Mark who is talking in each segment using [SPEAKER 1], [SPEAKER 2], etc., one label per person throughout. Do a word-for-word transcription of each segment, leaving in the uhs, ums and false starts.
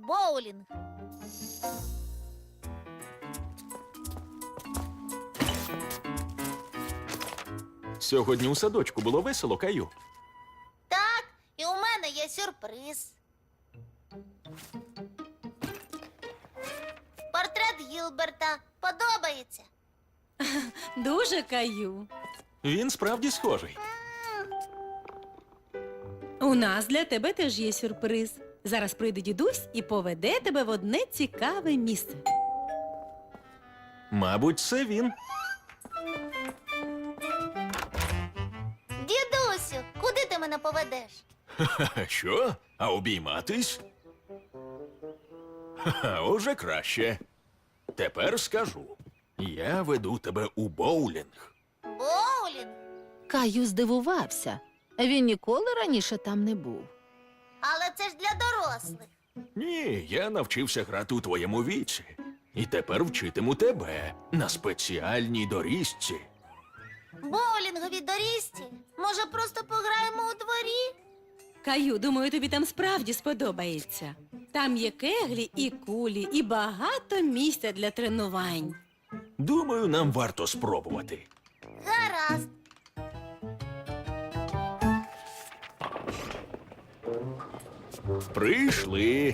[SPEAKER 1] боулінг.
[SPEAKER 2] Сьогодні у садочку було весело, Каю.
[SPEAKER 1] Так, і у мене є сюрприз. Портрет Гілберта. Подобається?
[SPEAKER 3] Дуже, Каю.
[SPEAKER 2] Він справді схожий.
[SPEAKER 3] У нас для тебе теж є сюрприз. Зараз прийде дідусь і поведе тебе в одне цікаве місце.
[SPEAKER 2] Мабуть, це він.
[SPEAKER 1] Дідусю, куди ти мене поведеш?
[SPEAKER 2] Ха-ха, що? А обійматись? Ха-ха, уже краще. Тепер скажу. Я веду тебе у боулінг.
[SPEAKER 1] Боулінг?
[SPEAKER 4] Каю здивувався. Він ніколи раніше там не був.
[SPEAKER 1] Але це ж для дорослих.
[SPEAKER 2] Ні, я навчився грати у твоєму віці. І тепер вчитиму тебе на спеціальній доріжці.
[SPEAKER 1] Боулінгові доріжці? Може, просто пограємо у дворі?
[SPEAKER 3] Каю, думаю, тобі там справді сподобається. Там є кеглі і кулі, і багато місця для тренувань.
[SPEAKER 2] Думаю, нам варто спробувати.
[SPEAKER 1] Гаразд.
[SPEAKER 2] Прийшли.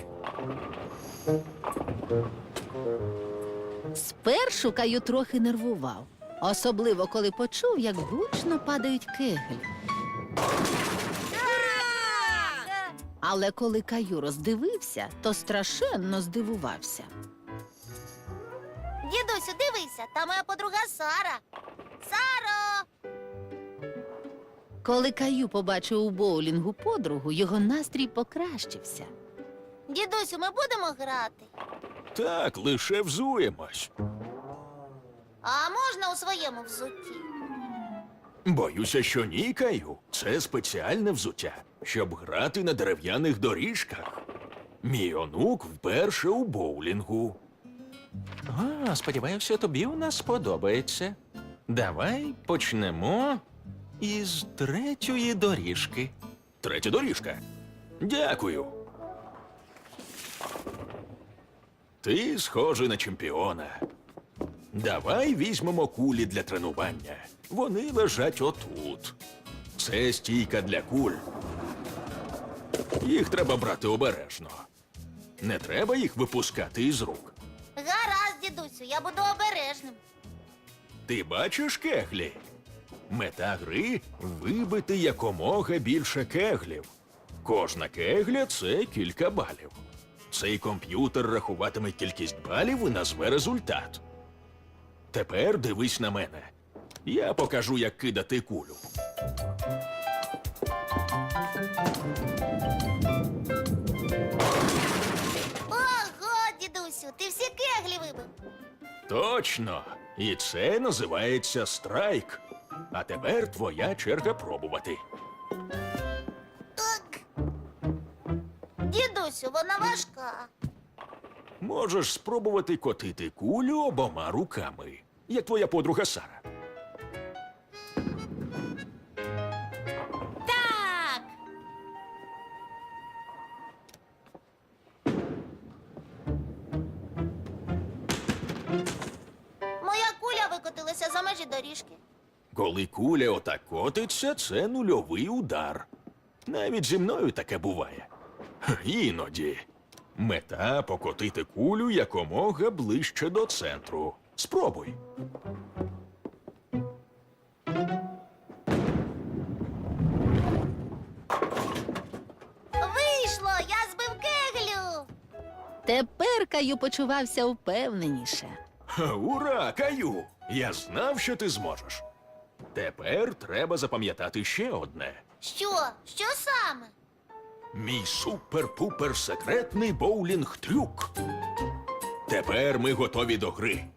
[SPEAKER 4] Спершу Каю трохи нервував, особливо коли почув, як гучно падають кеглі. Але коли Каю роздивився, то страшенно здивувався.
[SPEAKER 1] Дідусю, дивися, там моя подруга Сара. Саро!
[SPEAKER 4] Коли Каю побачив у боулінгу подругу, його настрій покращився.
[SPEAKER 1] Дідусю, ми будемо грати?
[SPEAKER 2] Так, лише взуємось.
[SPEAKER 1] А можна у своєму взутті?
[SPEAKER 2] Боюся, що ні, Каю. Це спеціальне взуття, щоб грати на дерев'яних доріжках. Мій онук вперше у боулінгу. А, сподіваюся, тобі у нас сподобається. Давай почнемо із третьої доріжки. Третя доріжка. Дякую. Ти схожий на чемпіона. Давай візьмемо кулі для тренування. Вони лежать отут. Це стійка для куль. Їх треба брати обережно. Не треба їх випускати із рук.
[SPEAKER 1] Гаразд, дідусю, я буду обережним.
[SPEAKER 2] Ти бачиш кеглі? Мета гри – вибити якомога більше кеглів. Кожна кегля – це кілька балів. Цей комп'ютер рахуватиме кількість балів і назве результат. Тепер дивись на мене. Я покажу, як кидати кулю.
[SPEAKER 1] Ого, дідусю, ти всі кеглі вибив.
[SPEAKER 2] Точно! І це називається страйк. А тепер твоя черга пробувати.
[SPEAKER 1] Так. Дідусю, вона важка.
[SPEAKER 2] Можеш спробувати котити кулю обома руками, як твоя подруга Сара.
[SPEAKER 1] Так. Моя куля викотилася за межі доріжки.
[SPEAKER 2] Коли куля отак котиться, це нульовий удар. Навіть зі мною таке буває. Х, Іноді. Мета – покотити кулю якомога ближче до центру. Спробуй.
[SPEAKER 1] Вийшло, я збив кеглю.
[SPEAKER 4] Тепер Каю почувався впевненіше.
[SPEAKER 2] Ха, Ура, Каю! Я знав, що ти зможеш. Тепер треба запам'ятати ще одне.
[SPEAKER 1] Що? Що саме?
[SPEAKER 2] Мій супер-пупер секретний боулінг-трюк. Тепер ми готові до гри.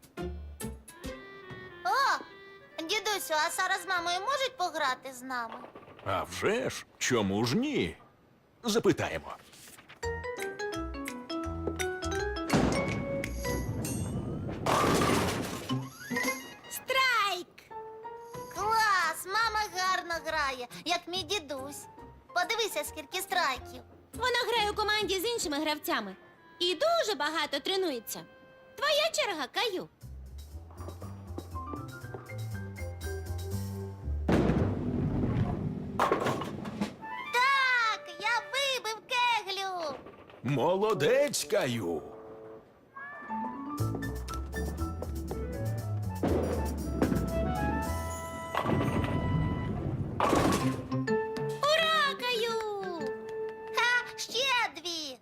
[SPEAKER 1] О, дідусю, а Сара з мамою можуть пограти з нами?
[SPEAKER 2] А вже ж, чому ж ні? Запитаємо.
[SPEAKER 3] Страйк!
[SPEAKER 1] Клас! Мама гарно грає, як мій дідусь. Подивися, скільки страйків.
[SPEAKER 3] Вона грає у команді з іншими гравцями.
[SPEAKER 1] І дуже багато тренується. Твоя черга, Каю. Так, я вибив кеглю.
[SPEAKER 2] Молодець, Каю.
[SPEAKER 1] Ура, Каю! Ха, ще дві.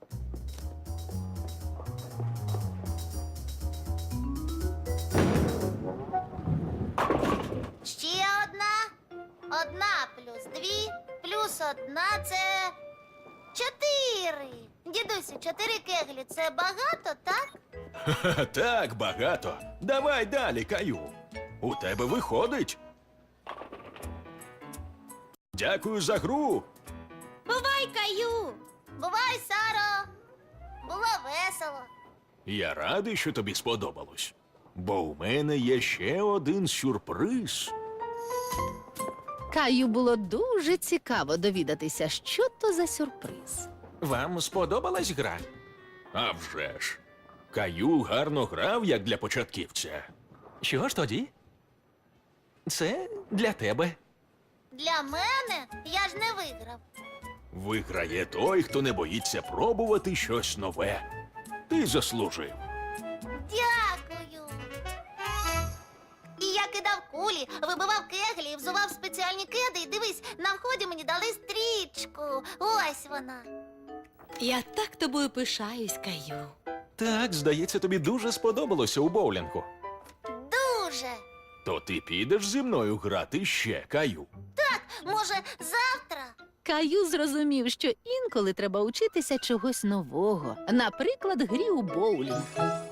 [SPEAKER 1] Ще одна. Одна плюс дві, плюс одна це чотири. Дідусю, чотири кеглі це багато, так?
[SPEAKER 2] Ха, так, багато. Давай далі, Каю. У тебе виходить. Дякую за гру.
[SPEAKER 1] Бувай, Каю! Бувай, Саро! Було весело.
[SPEAKER 2] Я радий, що тобі сподобалось. Бо у мене є ще один сюрприз.
[SPEAKER 4] Каю було дуже цікаво довідатися, що то за сюрприз.
[SPEAKER 2] Вам сподобалась гра? А вже ж. Каю гарно грав, як для початківця. Що ж тоді? Це для тебе.
[SPEAKER 1] Для мене я ж не виграв.
[SPEAKER 2] Виграє той, хто не боїться пробувати щось нове. Ти заслужив.
[SPEAKER 1] Дякую. І я кидав кулі, вибивав кеглі, і взував спеціальні кеди. І дивись, на вході мені дали стрічку. Ось вона.
[SPEAKER 3] Я так тобою пишаюсь, Каю.
[SPEAKER 2] Так, здається, тобі дуже сподобалося у боулінгу.
[SPEAKER 1] Дуже.
[SPEAKER 2] То ти підеш зі мною грати ще, Каю.
[SPEAKER 1] Може, завтра?
[SPEAKER 4] Каю зрозумів, що інколи треба учитися чогось нового, наприклад, грі у боулінг.